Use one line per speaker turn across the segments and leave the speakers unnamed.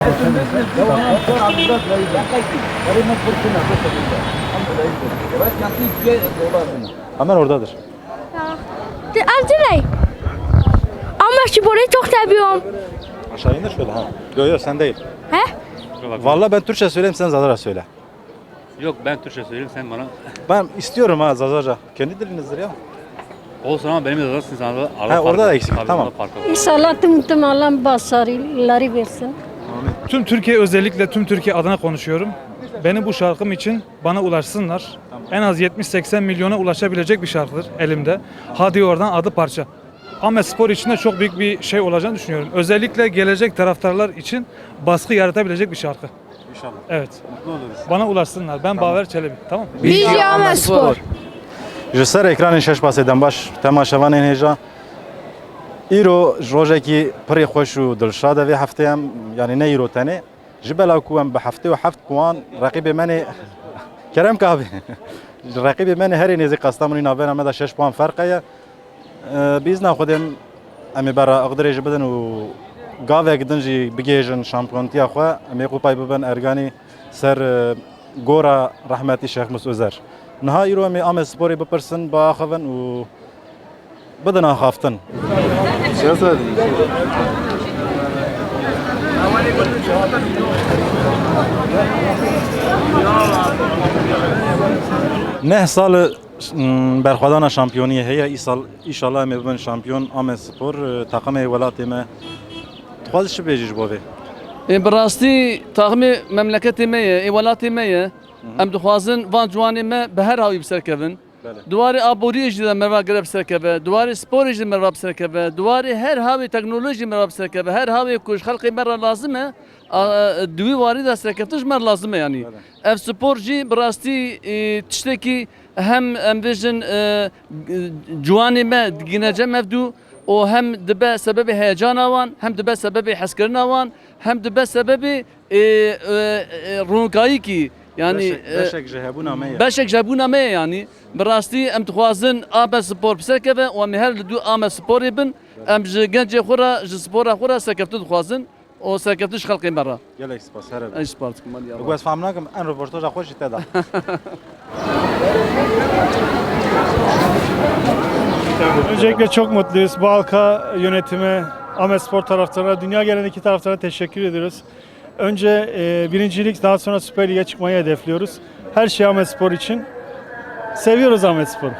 Hemen oradadır.
Amca ama şu boruyu çok seviyorum.
Aşağı indir şöyle ha. Yok yok sen değil.
He?
Vallahi ben Türkçe söyleyeyim sen Zazaca söyle.
Yok ben Türkçe söyleyeyim sen bana.
Ben istiyorum ha Zazaca. Kendi dilinizdir ya.
Olsun ama benim de zaten sana da
Ha, orada da eksik, tamam.
İnşallah tüm Allah başarıları versin.
Tüm Türkiye, özellikle tüm Türkiye adına konuşuyorum. Benim bu şarkım için bana ulaşsınlar. En az 70-80 milyona ulaşabilecek bir şarkıdır elimde. Hadi oradan adı parça. Ahmet Spor için de çok büyük bir şey olacağını düşünüyorum. Özellikle gelecek taraftarlar için baskı yaratabilecek bir şarkı.
İnşallah.
Evet.
Mutlu oluruz.
Bana ulaşsınlar. Ben Baver Çelebi. Tamam.
Bilgi Ahmet Spor.
Ji ser ekranên şeş basêden baş temaşevanên hêja îro ji rojekî pirê xweş û dilşad e vê hefteyê em yanî ne îro tenê ji bela ku em bi heftê û heft puan reqîbê me nê kerem kabî ji reqîbê me nê herê nêzî Kastamonî navbera me de 6 puan ferqe ye bîzna Xwedê em ê bera Aqdirê jî bidin û gavek din jî bigêjin şampiyontiya xwe em ê qûpayê bibin erganî ser gora rehmetî Şex Mus Özer. Niha îro em ê Ahmet Sporê bipirsin biaxivin û bidin axaftin. Neh sal berxwedana şampiyoniyê heye îsal îşallah em ê bibin şampiyon Ahmet Spor takımê welatê me dixwaz çi bêjî ji bo vê?
براستی تاغمی مملکتی میه ایوالاتی میه ام دخوازن وان جوانی ما به هر هاوی بسرکبن دواری آبوری جدا مروا گرب سرکبه دواری سپوری جدا مروا بسرکبه دواری هر هاوی تکنولوژی مروا بسرکبه هر هاوی کوش خلقی مرا لازمه دوی واری دا سرکبتش مر لازمه یعنی اف سپور جی براستی تشتکی هم ام ویژن جوانی ما گینجه مفدو و هم دبه سبب هیجان آوان هم دبه سبب حسکرن آوان hem de be sebebi runkayı ki yani beşek jebuna me yani berasti em dixwazin Ahmet Spor biserkeve û em her du Ahmet Sporê bin em ji gencê xwe re ji spora xwe re serkeftin dixwazin û serkeftin ji xelkê me re.
Gelek spas here.
Ez spas dikim hadi
Bu ez fehm nakim en röportaja xwe jî te da.
Öncelikle çok mutluyuz. Bu halka, yönetime, Ahmet Spor taraftarına, dünya genelindeki taraftarına teşekkür ediyoruz. Önce birincilik, daha sonra Süper Lig'e çıkmayı hedefliyoruz. Her şey Ahmet Spor için. Seviyoruz Ahmet Spor'u.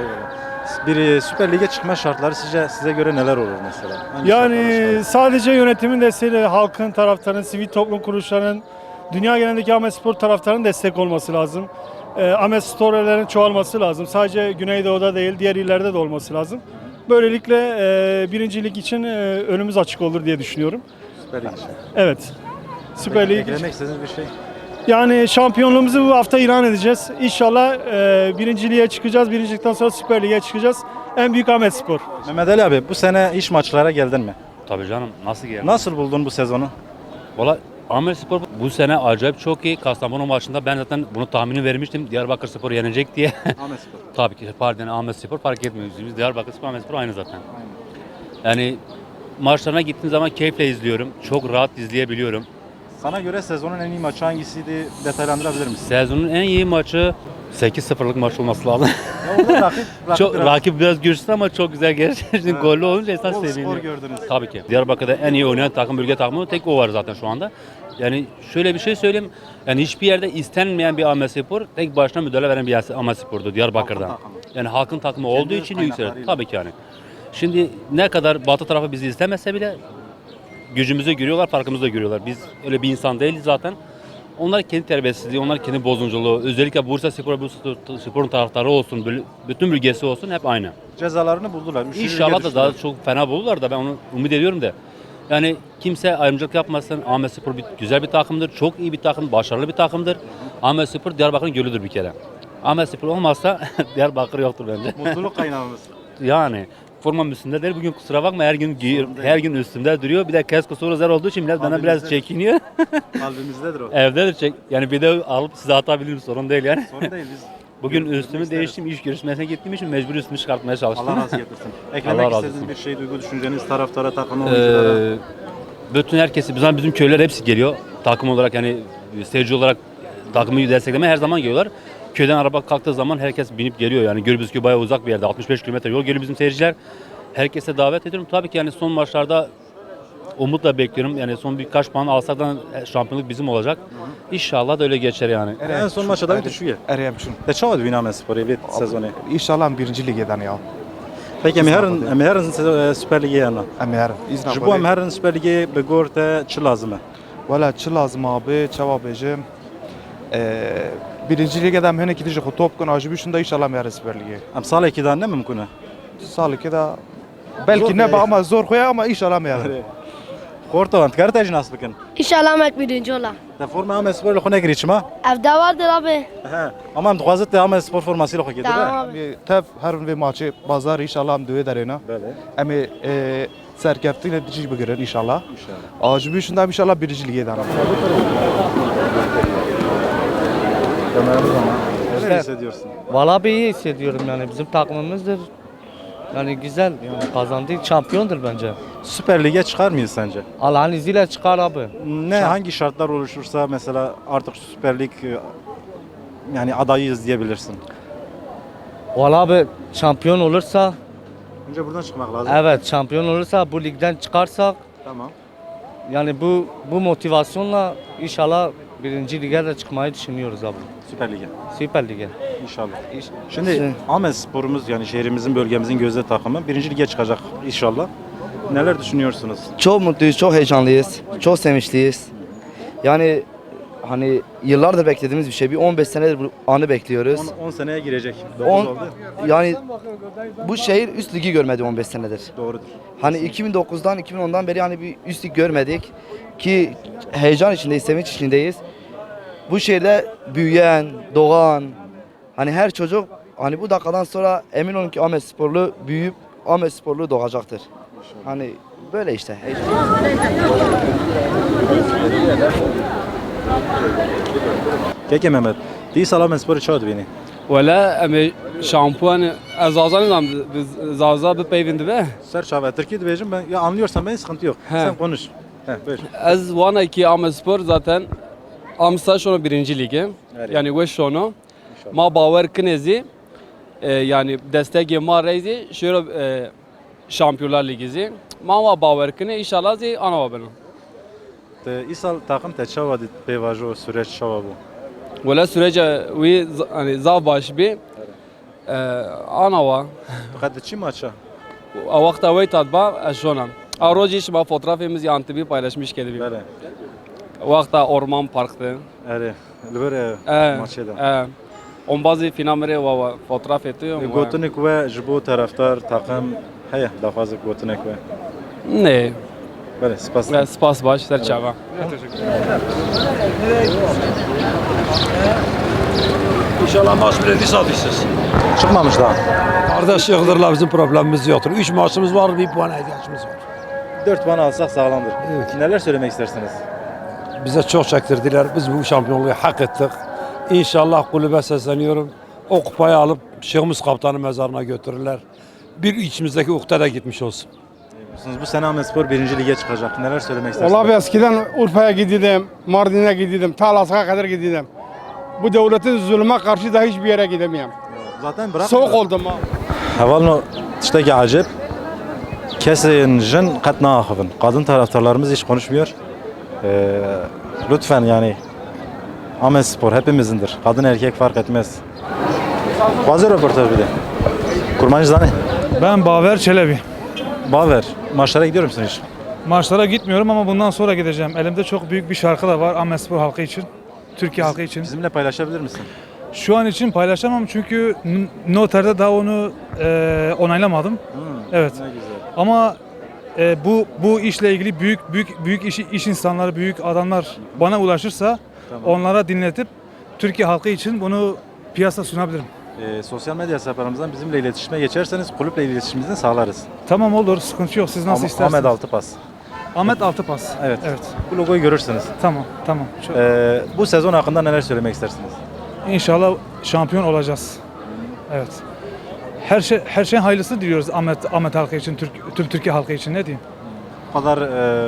Bir Süper Lig'e çıkma şartları size göre neler olur mesela?
Yani sadece yönetimin desteğiyle halkın, taraftarın, sivil toplum kuruluşlarının, dünya genelindeki Ahmet Spor taraftarının destek olması lazım. Ahmet Spor'ların çoğalması lazım. Sadece Güneydoğu'da değil, diğer illerde de olması lazım. Böylelikle birincilik için önümüz açık olur diye düşünüyorum.
Süper Lig için.
Evet. Süper Lig.
Eklemek istediğiniz bir şey?
Yani şampiyonluğumuzu bu hafta ilan edeceğiz. İnşallah birinciliğe çıkacağız. Birincilikten sonra Süper Lig'e çıkacağız. En büyük Ahmet Spor.
Mehmet Ali abi bu sene iş maçlara geldin mi?
Tabii canım nasıl geldi?
Nasıl buldun bu sezonu?
Valla Ahmet Spor bu sene acayip çok iyi. Kastamonu maçında ben zaten bunu tahmini vermiştim. Diyarbakır Spor yenecek diye.
Ahmet Spor.
Tabii ki pardon Ahmet Spor fark etmiyor. Biz Diyarbakır Spor Ahmet Spor aynı zaten. Yani maçlarına gittiğim zaman keyifle izliyorum. Çok rahat izleyebiliyorum.
Sana göre sezonun en iyi maçı hangisiydi? Detaylandırabilir misin?
Sezonun en iyi maçı 8-0'lık maç olması lazım.
Ya orada
Rakip biraz güçlü ama çok güzel gerçekten gollü olunca esas
bol skor
seviniyor.
gördünüz.
Tabii ki. Diyarbakır'da en iyi oynayan takım bölge takımı tek o var zaten şu anda. Yani şöyle bir şey söyleyeyim. Yani hiçbir yerde istenmeyen bir Ahmet Spor tek başına müdahale veren bir Ahmet Spor'du Diyarbakır'dan. Yani halkın takımı olduğu için yükseldi. Tabii ki yani. Şimdi ne kadar Batı tarafı bizi istemese bile gücümüzü görüyorlar, farkımızı da görüyorlar. Biz öyle bir insan değiliz zaten. Onlar kendi terbiyesizliği, onlar kendi bozunculuğu. Özellikle Bursa Spor'un taraftarı olsun, bütün bölgesi olsun hep aynı.
Cezalarını buldular.
İnşallah da daha çok fena bulurlar da ben onu umut ediyorum da. Yani kimse ayrımcılık yapmasın. Ahmet Spor güzel bir takımdır, çok iyi bir takım, başarılı bir takımdır. Ahmet Spor Diyarbakır'ın gölüdür bir kere. Ahmet Spor olmazsa Diyarbakır yoktur bence.
Mutluluk kaynağımız.
Yani formam üstünde değil. Bugün kusura bakma her gün üstümde duruyor. Bir de kesko soru zar olduğu için millet benden biraz çekiniyor.
Kalbimizdedir o.
Evdedir yani video alıp size atabilirim sorun değil yani.
Sorun değil biz.
Bugün üstümü değiştim, iş görüşmesine gittiğim için mecbur üstümü çıkartmaya çalıştım.
Allah razı getirsin.
Allah
Eklemek
razı
istediğiniz
olsun.
bir şey, duygu düşünceniz taraftara, takım oyunculara.
bütün herkesi, bizim köyler hepsi geliyor. Takım olarak yani seyirci olarak takımı desteklemeye her zaman geliyorlar. Köyden araba kalktığı zaman herkes binip geliyor. Yani Gürbüzköy bayağı uzak bir yerde. 65 kilometre yol geliyor bizim seyirciler. Herkese davet ediyorum. Tabii ki yani son maçlarda umutla bekliyorum. Yani son birkaç puan alsak da şampiyonluk bizim olacak. İnşallah da öyle geçer yani.
En son maçta da düşüyor.
Eriyem şunu.
Te çava dibîn Amesporê vê sezonê.
İnşallah birinci ligeden ya.
Peki em herin Süper Ligê yana.
Emer.
Ji bo em herin Süper Ligê bi gor te çi lazım e?
Valla çi lazım abi, çava bejim. Birinci ligeden hem iki dijik top kun acı bir şunda inşallah meğer Süper Lig'e.
Em salekî da ne mümkün e?
Salı da belki ne ama zor koya ama inşallah meğer.
Kortovan dikar te jî nas bikin.
İnşallah mek birinci ola.
Te forma Amesporê li xwe nekirî çima?
Evde vardır abi.
He. Ama em dixwazit te Amespor formasî li xwe kê
Tamam
dibe?
abi.
Tev her ve maçı pazar inşallah hem düğü derine.
Bele.
Emi serkeftiyle dici bigirir inşallah.
İnşallah.
Acı bir şunda inşallah birinci ligeden.
Neler hissediyorsun?
Valla bir iyi hissediyorum yani bizim takımımızdır. Yani güzel yani kazandı şampiyondur bence.
Süper Lig'e çıkar mıyız sence?
Allah'ın izniyle çıkar abi.
Ne hangi şartlar oluşursa mesela artık Süper Lig yani adayıyız diyebilirsin.
Valla abi şampiyon olursa
Önce buradan çıkmak lazım.
evet şampiyon olursa bu ligden çıkarsak
Tamam.
yani bu motivasyonla inşallah birinci lige de çıkmayı düşünüyoruz abi.
Süper Lig'e.
Süper Lig'e.
İnşallah. Şimdi Amespor'umuz yani şehrimizin, bölgemizin gözde takımı birinci lige çıkacak inşallah. Neler düşünüyorsunuz?
Çok mutluyuz, çok heyecanlıyız, çok sevinçliyiz. Yani hani yıllardır beklediğimiz bir şey. Bir 15 senedir bu anı bekliyoruz.
10 seneye girecek. 9
On-
oldu.
Yani bu şehir üst ligi görmedi 15 senedir.
Doğrudur.
Hani 2009'dan 2010'dan beri hani bir üst lig görmedik ki heyecan içindeyiz, sevinç içindeyiz. Bu şehirde büyüyen, doğan hani her çocuk hani bu dakikadan sonra emin olun ki Ahmetsporlu büyüyüp Ahmetsporlu doğacaktır. Hani böyle işte.
Peki Mehmet. Değil Amespor'u çağırdı beni.
ولا ام شامپوان از آزان زازا بپیوند به
Ser çağır. Türkiye diyeceğim ben. Ya anlıyorsan ben sıkıntı yok.
He.
Sen konuş. He, buyur.
از وانا کی ام spor zaten amsa şunu birinci lige
Evet.
yani ve şunu ma باور کنیزی yani destek ma reizi şöyle Şampiyonlar Ligi'zi ma va باور کنه inşallah zi ana benim
Te İsal takım te çava dit pevajo süreç çava bu.
ولا sürece ve hani zav baş bir ana va
Fakat çi maça?
vakta ve tadba şuna Aroji şma fotoğrafımız yantıbi paylaşmış kedi.
Bele.
Vakta orman parktı.
Ere. Lübere maçı da.
On bazı filmleri ve fotoğraf ediyor.
Gotunik ve jibo taraftar takım heye daha fazla gotunik ve.
Ne?
Bele spas.
Spas baş serçava.
İnşallah maç bileti satışsız.
Çıkmamış daha.
Kardeş Yıldır'la bizim problemimiz yoktur. 3 maçımız var, 1 puana ihtiyacımız var.
4 puan alsak sağlamdır.
Evet.
Neler söylemek istersiniz?
Bize çok çektirdiler. Biz bu şampiyonluğu hak ettik. İnşallah kulübe sesleniyorum. O kupayı alıp Şeyhimiz Kaptan'ın mezarına götürürler. Bir içimizdeki ukde de gitmiş olsun.
Bu sene Ahmetspor 1. lige çıkacak. Neler söylemek istersiniz?
Vallahi eskiden Urfa'ya gidiyordum, Mardin'e gidiyordum, Talas'a kadar gidiyordum. Bu devletin zulme karşı da hiçbir yere gidemiyorum.
Zaten bırak.
Soğuk oldum ha.
Havalno tişteki acip. Kesin jin katna ahıvın. Kadın taraftarlarımız hiç konuşmuyor. Lütfen yani Ahmetspor hepimizindir. Kadın erkek fark etmez. Bazı röportaj bir de. Kurmancı Zani.
Ben Baver Çelebi.
Baver. Maçlara gidiyor musun hiç?
Maçlara gitmiyorum ama bundan sonra gideceğim. Elimde çok büyük bir şarkı da var Ahmetspor halkı için. Türkiye halkı için.
Bizimle paylaşabilir misin?
Şu an için paylaşamam çünkü noterde daha onu onaylamadım. Evet.
Ne güzel.
Ama bu işle ilgili büyük iş insanları, büyük adamlar bana ulaşırsa onlara dinletip Türkiye halkı için bunu piyasa sunabilirim.
Sosyal medya hesaplarımızdan bizimle iletişime geçerseniz kulüple iletişimimizi sağlarız.
Tamam olur, sıkıntı yok. Siz nasıl isterseniz.
Ahmet Altıpas.
Ahmet Altıpas.
Evet.
Evet.
Bu logoyu görürsünüz.
Tamam.
Bu sezon hakkında neler söylemek istersiniz?
İnşallah şampiyon olacağız. Evet. Her şeyin hayırlısı diliyoruz Ahmet halkı için, tüm Türkiye halkı için, ne diyeyim?
Bu kadar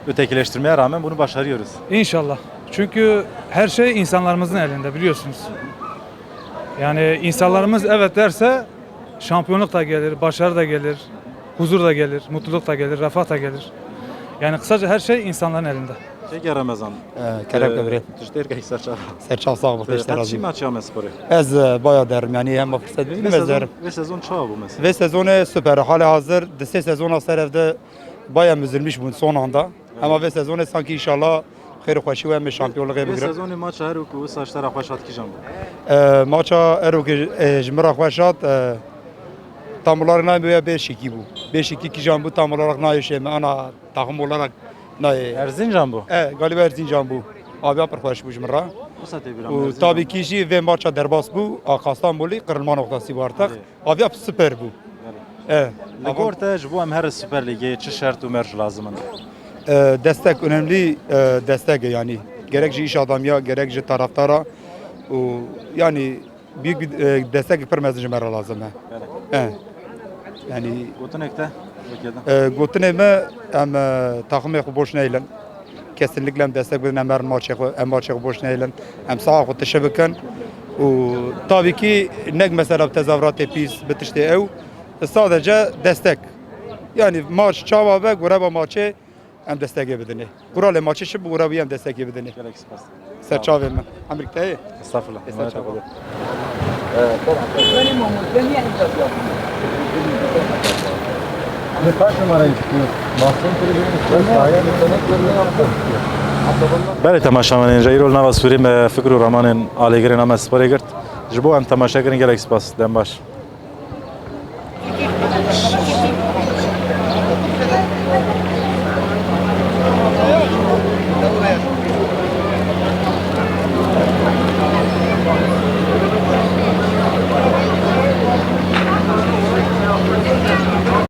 ötekileştirmeye rağmen bunu başarıyoruz.
İnşallah. Çünkü her şey insanlarımızın elinde biliyorsunuz. Yani insanlarımız evet derse şampiyonluk da gelir, başarı da gelir, huzur da gelir, mutluluk da gelir, refah da gelir. Yani kısaca her şey insanların elinde.
Peki Ramazan.
Kerem Kıbrı.
Tüşter ki serçe.
Serçal sağ ol.
Kaçı maç ya sporu?
Ez bayağı derim yani hem fırsat bilmez derim.
Ve sezon çağı bu mesela.
Ve sezonu süper. Hala hazır. Dese sezon serevde bayağı müzülmüş bu son anda. Ama ve sezonu sanki inşallah خير خوشی و هم شامپیونلوق
Ve
بگیرم.
sezonu maç her oku saçlar akvaşat ki jambu.
ماچا ارو که جمرا خوشات tam olarak ne böyle 5-2 bu. 5-2 ki jambu tam olarak ne şey ana takım olarak ne?
Erzincan bu.
Galiba Erzincan bu. Abi apar hoş bu jumra.
Bu saate bir
O tabii ki şey ve maça derbas bu. Kastamonlu kırılma noktası var artık. Abi ap süper bu.
Ligorta bu hem her Süper Lig'e çi şart umer lazım.
Destek önemli destek yani. Gerek iş adamya gerek taraftara. Yani büyük bir destek vermesi jumra lazım. Yani
Gotunekte.
Gotuneme hem takımı boş neylen. Kesinlikle hem destek verin hem maçı boş neylen. Hem sağa ko teşebbüken. Tabii ki ne mesela tezahürat pis bitişte ev. Sadece destek. Yani maç çava ve guraba maçı hem destek edin. Gurale maçı şu guraba hem destek edin. Serçave mi? Amerika'ya.
Estağfurullah. بله تماشاوان جایرول نواز سوریم فکر و رمان آلیگری نام اسپاری کرد. جبو هم تماشا کردن گلک سپاس دم باش.